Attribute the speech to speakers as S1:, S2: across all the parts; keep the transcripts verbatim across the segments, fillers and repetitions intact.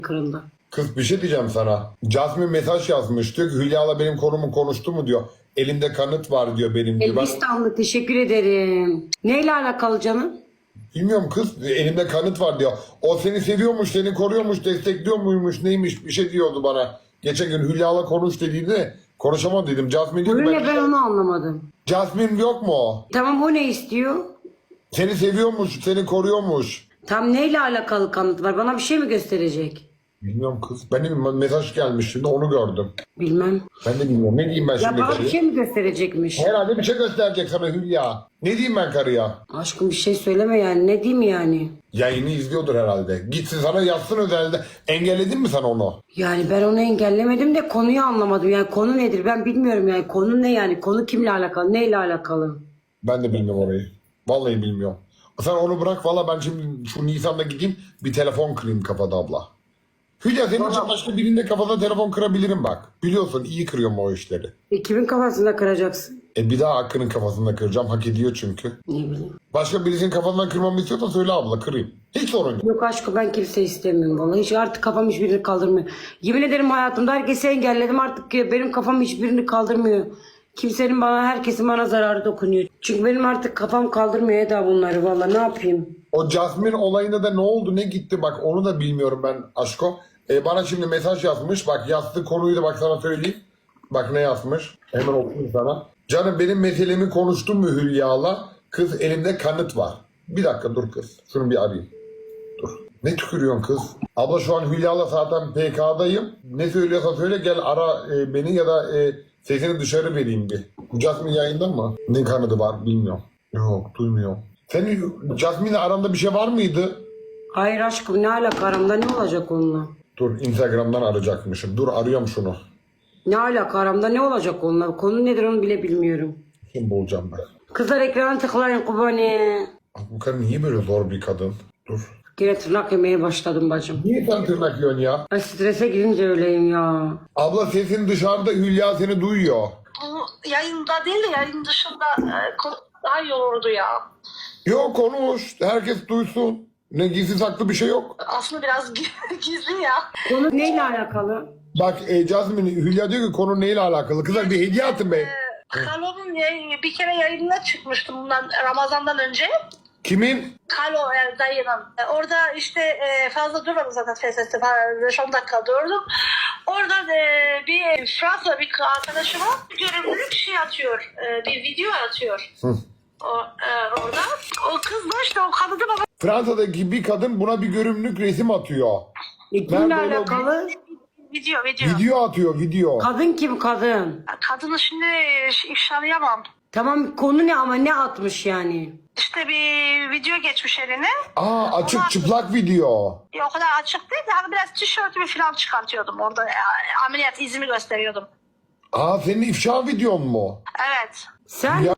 S1: kırıldı.
S2: Kız bir şey diyeceğim sana. Jasmine mesaj yazmış. Diyor ki Hülya'la benim konumu konuştu mu diyor. Elimde kanıt var diyor benim diyor. Ben
S1: Elbistanlı teşekkür ederim. Neyle alakalı canım?
S2: bilmiyorum kız, elimde kanıt var diyor. O seni seviyormuş, seni koruyormuş, destekliyor muymuş, neymiş bir şey diyordu bana. Geçen gün Hülya'la konuş dediğinde konuşamam dedim. Jasmine diyor ki
S1: Öyle
S2: ben...
S1: ben onu anlamadım.
S2: Jasmine yok mu o?
S1: Tamam o ne istiyor?
S2: Seni seviyormuş, seni koruyormuş.
S1: Tam neyle alakalı kanıt var? Bana bir şey mi gösterecek?
S2: Bilmiyorum kız. Benim mesaj gelmiş şimdi onu gördüm.
S1: Bilmem.
S2: Ben de bilmiyorum. Ne diyeyim ben
S1: Ya
S2: şimdi
S1: bana bir
S2: karıya?
S1: şey mi gösterecekmiş?
S2: Herhalde bir şey gösterecek sana Hülya. Ne diyeyim ben karıya?
S1: Aşkım bir şey söyleme yani. Ne diyeyim yani?
S2: Yayını izliyordur herhalde. Gitsin sana yazsın özelde. Engelledin mi sen onu?
S1: Yani ben onu engellemedim de konuyu anlamadım. Yani konu nedir ben bilmiyorum yani. Konu ne yani? Konu kimle alakalı? Neyle alakalı?
S2: Ben de bilmiyorum orayı. Vallahi bilmiyorum. Sen onu bırak valla, ben şimdi şu Nisan'da gideyim bir telefon kırayım kafada abla. Hülya senin için başka birinde kafada telefon kırabilirim bak. Biliyorsun iyi kırıyorum o işleri.
S1: E, kimin kafasında kıracaksın?
S2: E bir daha Hakkı'nın kafasında kıracağım. Hak ediyor çünkü.
S1: Ne bileyim.
S2: Başka birisinin kafasından kırmamı istiyorsan söyle abla, kırayım. Hiç sorun yok.
S1: Yok aşkım ben kimse istemiyorum vallahi. Hiç artık kafam hiçbirini kaldırmıyor. Yemin ederim hayatımda herkesi engelledim artık benim kafam hiçbirini kaldırmıyor. Kimsenin bana, herkesin bana zararı dokunuyor. Çünkü benim artık kafam kaldırmıyor Eda bunları vallahi ne yapayım?
S2: O Jasmine olayında da ne oldu ne gitti bak onu da bilmiyorum ben aşko. E, bana şimdi mesaj yazmış, bak yazdığı konuyu da bak sana söyleyeyim. Bak ne yazmış, hemen okuyayım sana. Canım benim meselemi konuştun mu Hülya'la? Kız elimde kanıt var. Bir dakika dur kız, şunu bir arayayım. Dur. Ne tükürüyorsun kız? Abla şu an Hülya'la zaten P K'dayım. Ne söylüyorsa söyle, gel ara e, beni ya da e, sesini dışarı vereyim bir. Jasmine yayında mı? Ne kanadı var bilmiyorum. Yok duymuyorum. Senin Jasmine'le aranda bir şey var mıydı?
S1: Hayır aşkım ne alaka aramda ne olacak onunla?
S2: Dur Instagram'dan arayacakmışım. Dur arıyorum şunu.
S1: Ne alaka aramda ne olacak onunla? Konu nedir onu bile bilmiyorum.
S2: Kim bulacağım ben?
S1: Kızlar ekrana tıklayın kubani.
S2: Abi bu kadın niye böyle zor bir kadın? Dur.
S1: Yine tırnak yemeye başladım bacım.
S2: Niye sen tırnak yiyorsun ya?
S1: Ay strese girince öyleyim ya.
S2: Abla sesin dışarıda, Hülya seni duyuyor.
S3: Bu yayında değil de yayın dışında e, konu daha iyi olurdu ya.
S2: Yok konuş. Herkes duysun. Ne gizli saklı bir şey yok.
S3: Aslında biraz gizli ya.
S1: Konu neyle alakalı?
S2: Bak e, Jasmine, Hülya diyor ki konu neyle alakalı? Kızlar bir hediye atın be.
S3: Kalo'nun yayın- bir kere yayınına çıkmıştım bundan Ramazan'dan önce.
S2: Kimin?
S3: Kalo yani dayının. E, Orada işte e, fazla durmadım zaten F S S'te beş on dakika durdum. Orada e, bir Fransa bir arkadaşıma görevlilik şey atıyor. E, bir video atıyor.
S2: Hı.
S3: O, e, orada. O kız da işte o kadını bana
S2: Fransa'daki bir kadın buna bir görünümlük resim atıyor.
S1: E, kimle
S2: Nerede o?
S1: alakalı?
S3: video video.
S2: Video atıyor video.
S1: Kadın kim kadın?
S3: Kadını şimdi ifşalayamam.
S1: Tamam konu ne ama ne atmış yani?
S3: İşte bir video geçmiş eline.
S2: Aa açık çıplak video.
S3: Ya, o kadar açık değil de hani biraz tişörtümü falan çıkartıyordum orada. Ya, ameliyat izimi gösteriyordum.
S2: Aa senin ifşa videon mu?
S3: Evet.
S1: Sen
S2: Ya-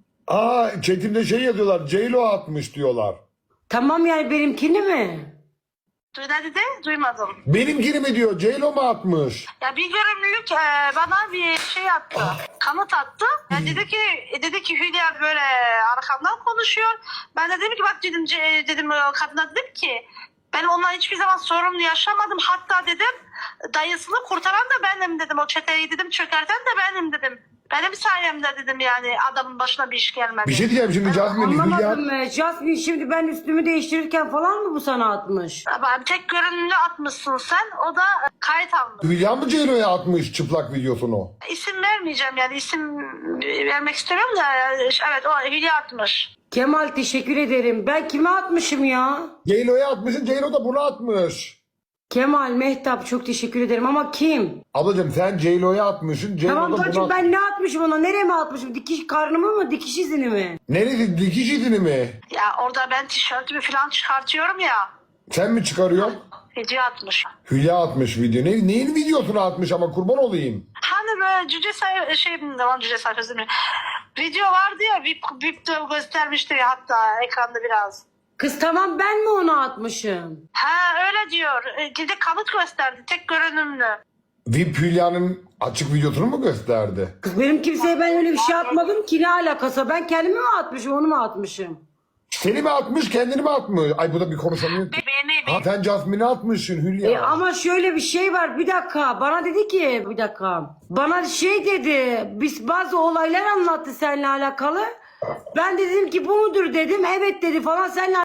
S2: Aa chatimde şey yazıyorlar, J-Lo atmış diyorlar.
S1: tamam yani benimkini mi?
S3: Duy dedi, duymadım.
S2: Benimkini mi diyor, J-Lo mu atmış?
S3: Ya bir görümlülük e, bana bir şey attı. Kanıt attı. Ya dedi ki dedi ki Hülya böyle arkamdan konuşuyor. Ben de dedim ki bak dedim ce- dedim e, kadına dedim ki ben onunla hiçbir zaman sorunlu yaşamadım. Hatta dedim dayısını kurtaran da benim dedim. O çeteyi dedim çökerten de benim dedim. Benim sayemde dedim yani adamın başına bir iş gelmedi.
S2: Bir şey diyeceğim şimdi Jasmine, Hülya.
S1: Anlamadım mı? Jasmine şimdi ben üstümü değiştirirken falan mı bu sana atmış?
S3: Ama tek görünümlü atmışsın sen. O da e, kayıt almış.
S2: Hülya mı J-Lo'ya atmış çıplak videosunu?
S3: İsim vermeyeceğim yani isim vermek istemiyorum da evet o Hülya atmış.
S1: Kemal teşekkür ederim. Ben kime atmışım ya?
S2: J-Lo'ya atmışsın, J-Lo da bunu atmış.
S1: Kemal, Mehtap çok teşekkür ederim ama kim?
S2: Ablacığım sen J-Lo'ya atmışsın, J-Lo
S1: Tamam
S2: da bunu
S1: bacım
S2: atmış.
S1: ben ne atmışım ona? Nereye mi atmışım? Dikiş karnımı mı? Dikiş izini mi?
S2: Neresi, dikiş izini mi?
S3: Ya orada ben tişörtümü falan çıkartıyorum ya.
S2: Sen mi çıkarıyorsun?
S3: Video atmış.
S2: Hülya atmış video. Ne, neyin videosunu atmış ama kurban olayım.
S3: Hani böyle cüce sayfa şey devam cüce sayfası değil mi? Video vardı ya vip, vip de göstermişti ya hatta ekranda biraz.
S1: Kız tamam ben mi onu atmışım?
S3: Ha öyle diyor. E, Bir de kanıt gösterdi tek görünümlü.
S2: V I P Hülya'nın açık videosunu mu gösterdi?
S1: Kız benim kimseye ben öyle bir şey atmadım ki ne alakası? Ben kendimi mi atmışım onu mu atmışım?
S2: Seni mi atmış, kendini mi atmış? Ay bu da bir konuşamıyor.
S3: Be- beğeni
S2: Ha sen Jasmine'e atmışsın Hülya.
S1: E ama şöyle bir şey var, bir dakika, bana dedi ki, bir dakika, bana şey dedi, biz bazı olaylar anlattı seninle alakalı. Ben de dedim ki bu mudur dedim, evet dedi falan, seninle